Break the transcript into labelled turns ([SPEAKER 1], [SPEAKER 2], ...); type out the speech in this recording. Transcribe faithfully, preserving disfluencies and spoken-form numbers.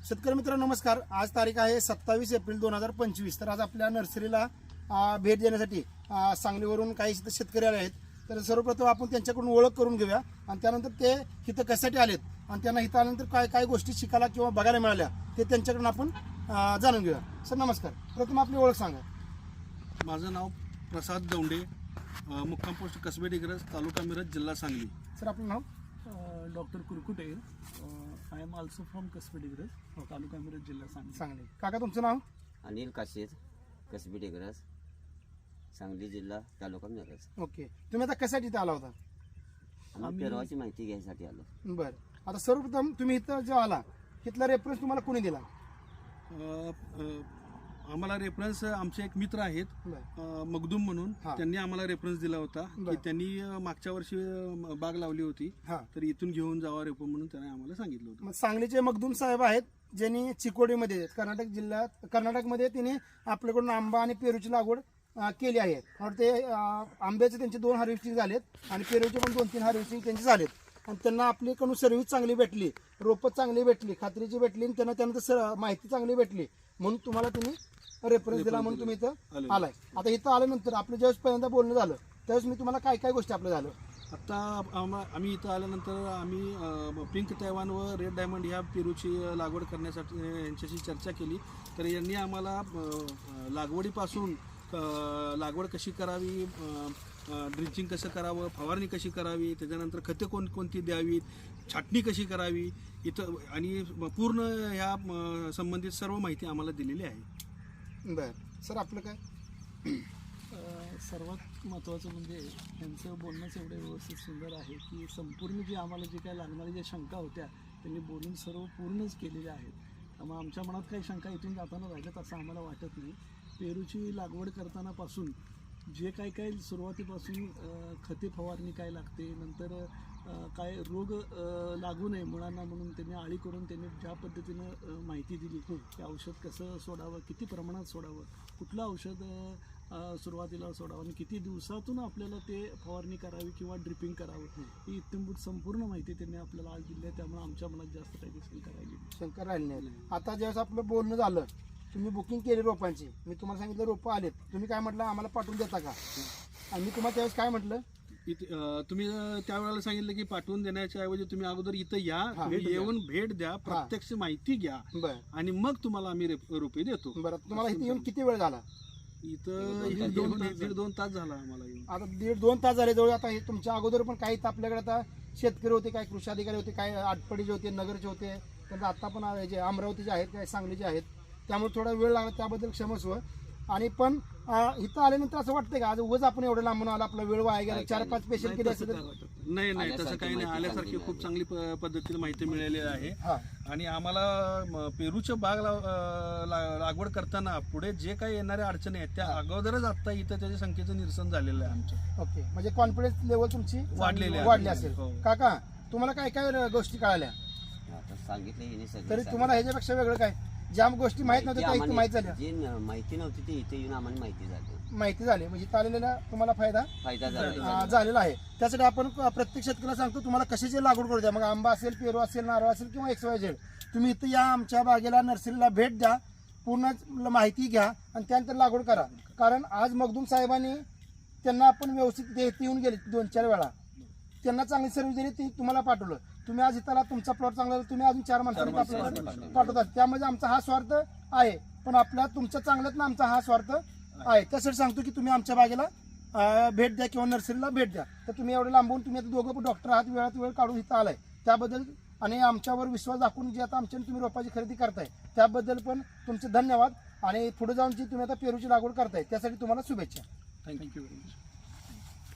[SPEAKER 1] शेतकरी मित्रांनो नमस्कार. आज तारीख आहे सत्तावीस एप्रिल दोन हजार पंचवीस. तर आज आपल्या नर्सरीला भेट देण्यासाठी सांगलीवरून काही शेतकरी आले आहेत. तर सर्वप्रथम आपण त्यांच्याकडून ओळख करून घेऊया आणि त्यानंतर ते इथं कशासाठी आलेत आणि त्यांना इथं आल्यानंतर काय काय गोष्टी शिकायला किंवा बघायला मिळाल्या ते त्यांच्याकडून आपण जाणून घेऊया. सर नमस्कार. प्रथम आपली ओळख सांगा.
[SPEAKER 2] माझं नाव प्रसाद दौंडे, मुक्काम पोस्ट कसबे डिग्रज, तालुका मिरज, जिल्हा सांगली.
[SPEAKER 1] सर आपलं नाव?
[SPEAKER 3] Doctor Kurkute. I am also from Kasbe Digraj, taluka Miraj, जिल्हा सांगली.
[SPEAKER 1] सांगली. काका तुमचं नाव?
[SPEAKER 4] अनिल काशीद, कसबे डिग्रज, सांगली जिल्हा, तालुका मिरज.
[SPEAKER 1] ओके. तुम्ही आता कशासाठी इथं आला होता?
[SPEAKER 4] आम्ही पेरवाची माहिती घ्यायसाठी आलो.
[SPEAKER 1] बरं. आता सर्वप्रथम तुम्ही इथं जो आला तिथला रेफरन्स तुम्हाला कोणी दिला?
[SPEAKER 2] अ, अ, आम्हाला रेफरन्स आमचे एक मित्र आहेत
[SPEAKER 1] बरं.
[SPEAKER 2] मगदूम म्हणून,
[SPEAKER 1] हा.
[SPEAKER 2] त्यांनी आम्हाला रेफरन्स दिला होता की
[SPEAKER 1] बरं.
[SPEAKER 2] त्यांनी अ, मागच्या वर्षी अ, बाग लावली होती,
[SPEAKER 1] हां.
[SPEAKER 2] तर इथून घेऊन जावा रेपो म्हणून त्यांनी आम्हाला सांगितलं होतं.
[SPEAKER 1] मग सांगलीचे मगदूम साहेब आहेत ज्यांनी चिकोडीमध्ये कर्नाटक जिल्ह्यात कर्नाटकमध्ये त्यांनी आपल्याकडून आंबा आणि पेरूची लागवड अं, केली आहे. और ते अं, आंब्याचे त्यांचे दोन हार्वेस्टिंग झालेत आणि पेरूचे पण दोन तीन हार्वेस्टिंग त्यांचे झालेत. आणि त्यांना आपल्याकडून सर्व्हिस चांगली भेटली, रोपं चांगली भेटली, खात्रीची भेटली आणि त्यांना त्यानंतर सर माहिती चांगली भेटली म्हणून तुम्हाला तुम्ही रेफरन्स दिला म्हणून तुम्ही इथं आलाय. आता इथं आल्यानंतर आपलं ज्यावेळेस पहिल्यांदा बोलणं झालं त्यावेळेस मी तुम्हाला काय काय गोष्टी आपलं झालं?
[SPEAKER 2] आता आम्हा आम्ही इथं आल्यानंतर आम्ही अ, पिंक तैवान व रेड डायमंड ह्या पेरूची लागवड करण्यासाठी अ, यांच्याशी चर्चा केली. तर यांनी आम्हाला अ, लागवडीपासून अ, लागवड कशी करावी, ड्रिंचिंग कसं करावं, फवारणी कशी करावी, त्याच्यानंतर खते कोण कोणती द्यावीत, छाटणी कशी करावी इथं आणि पूर्ण ह्या अ, संबंधित सर्व माहिती आम्हाला दिलेली आहे.
[SPEAKER 1] बरं. सर आपलं काय?
[SPEAKER 3] अ, सर्वात महत्त्वाचं म्हणजे त्यांचं बोलणंच एवढं व्यवस्थित सुंदर आहे की संपूर्ण जी आम्हाला जे काय लागणाऱ्या ज्या शंका होत्या त्यांनी बोलून सर्व पूर्णच केलेल्या आहेत. त्यामुळे आमच्या मनात काही शंका इथून जाताना राहिल्यात असं आम्हाला वाटत नाही. पेरूची लागवड करतानापासून जे काय काय सुरुवातीपासून अ, खते फवारणी काय लागते, नंतर अ, काय रोग अ, लागू नये मुळांना म्हणून त्यांनी आळी करून त्यांनी ज्या पद्धतीनं अ, माहिती दिली की औषध कसं सोडावं, किती प्रमाणात सोडावं, कुठलं औषध अ, सुरुवातीला सोडावं आणि किती दिवसातून आपल्याला ते फवारणी करावी किंवा ड्रिपिंग करावं ही इत्यंभूत संपूर्ण माहिती त्यांनी आपल्याला आज दिली आहे. त्यामुळे आमच्या मनात जास्त काही शंका राहिली नाही.
[SPEAKER 1] शंकर राहिले नाही. आता ज्यावेळेस आपलं बोलणं झालं तुम्ही बुकिंग केली रोपांची, मी तुम्हाला सांगितलं रोपं आलेत, तुम्ही काय म्हटलं आम्हाला पाठवून देता का? आणि मी तुम्हाला त्यावेळेस काय म्हटलं?
[SPEAKER 2] इथे अ, तुम्ही अ, त्यावेळेला सांगितलं की पाठवून देण्याच्या ऐवजी तुम्ही अगोदर इथं या,
[SPEAKER 1] हा,
[SPEAKER 2] तुम्ही
[SPEAKER 1] भेट द्या.
[SPEAKER 2] येऊन भेट द्या, प्रत्यक्ष माहिती घ्या
[SPEAKER 1] बरं
[SPEAKER 2] आणि मग तुम्हाला आम्ही रेप- रोपे देतो.
[SPEAKER 1] बरं. तुम्हाला इथे येऊन किती वेळ झाला?
[SPEAKER 2] इथं दीड दोन दीड दोन तास झाला आम्हाला येऊन.
[SPEAKER 1] आता दीड दोन तास झाले जवळ. आता हे तुमच्या अगोदर पण काही इथं आपल्याकडे आता शेतकरी होते, काही कृषी अधिकारी होते, काही आटपाडीचे होते, नगरचे होते, त्यांचं आता पण आहे जे अमरावतीचे आहेत, काही सांगलीचे आहेत. त्यामुळे थोडा वेळ लागला त्याबद्दल क्षमस्व. आणि पण अं, इथं आल्यानंतर असं वाटतंय का आज उगाच आपण एवढं लांबून आला, आपला वेळ वाया गेला, चार पाच पेशंट केले असेल तर?
[SPEAKER 2] नाही नाही तसं
[SPEAKER 4] आल्यासारखी
[SPEAKER 2] काही नाही.
[SPEAKER 4] माहिती
[SPEAKER 2] आल्यासारखी
[SPEAKER 4] चांगली
[SPEAKER 2] खूप चांगली प- पद्धतीने माहिती मिळालेली आहे.
[SPEAKER 1] हां.
[SPEAKER 2] आणि आम्हाला म, पेरूच्या बाग लाव- अं, ला- लागवड करताना पुढे जे काही येणाऱ्या अडचणी आहेत त्या अगोदरच आता इथं त्याच्या संख्येचं निरसन झालेलं आहे आमचं.
[SPEAKER 1] ओके. म्हणजे कॉन्फिडन्स लेवल तुमची
[SPEAKER 2] वाढलेली आहे.
[SPEAKER 1] वाढली असेल.
[SPEAKER 2] हो.
[SPEAKER 1] काका तुम्हाला काय काय गोष्टी कळाल्या?
[SPEAKER 4] आता सांगितलं हिने सगळं
[SPEAKER 1] तरी
[SPEAKER 4] सांगितलं.
[SPEAKER 1] तुम्हाला ह्याच्यापेक्षा वेगळं काय ज्या गोष्टी माहित नव्हत्या त्या इथे माहित
[SPEAKER 4] आम्हाला-
[SPEAKER 1] झाल्या?
[SPEAKER 4] जी न- माहिती नव्हती ती इथे येऊन आम्हाला माहिती झाली,
[SPEAKER 1] माहिती झाली म्हणजे इथं आलेला तुम्हाला फायदा
[SPEAKER 4] फायदा
[SPEAKER 1] अं,
[SPEAKER 4] झाला.
[SPEAKER 1] झालेला आहे. त्यासाठी आपण प्रत्येक शेतकऱ्याला सांगतो तुम्हाला कशाची लागवड करू द्या, मग आंबा असेल, पेरू असेल, नारळ असेल किंवा एक्स वाय झेड, तुम्ही इथं या आमच्या बागेला नर्सरीला भेट द्या, पूर्ण माहिती घ्या आणि त्यानंतर लागवड करा. कारण आज मगदूम साहेबांनी त्यांना आपण व्यवस्थित ते इथे येऊन गेले दोन चार वेळा, त्यांना चांगली सर्व्हिस दिली, ती तुम्हाला पाठवलं. तुम्ही आज इथं तुमचा प्लॉट चांगला झाला, तुम्ही अजून चार माणसांनी आपल्याला पाठवतात. त्यामध्ये आमचा हा स्वार्थ आहे, पण आपल्या तुमच्या चांगल्यात ना आमचा हा स्वार्थ आहे. त्यासाठी सांगतो की तुम्ही आमच्या बागेला अं, भेट द्या किंवा नर्सरीला भेट द्या. तर तुम्ही एवढे लांबून तुम्ही आता दोघं पण डॉक्टर आहात, वेळात वेळ काढून इथं आलाय त्याबद्दल आणि आमच्यावर विश्वास दाखवून जे आता आमच्या तुम्ही रोपाची खरेदी करताय त्याबद्दल पण तुमचे धन्यवाद. आणि पुढे जाऊन जी तुम्ही आता पेरूची लागवड करताय त्यासाठी तुम्हाला शुभेच्छा.
[SPEAKER 2] Thank you very much.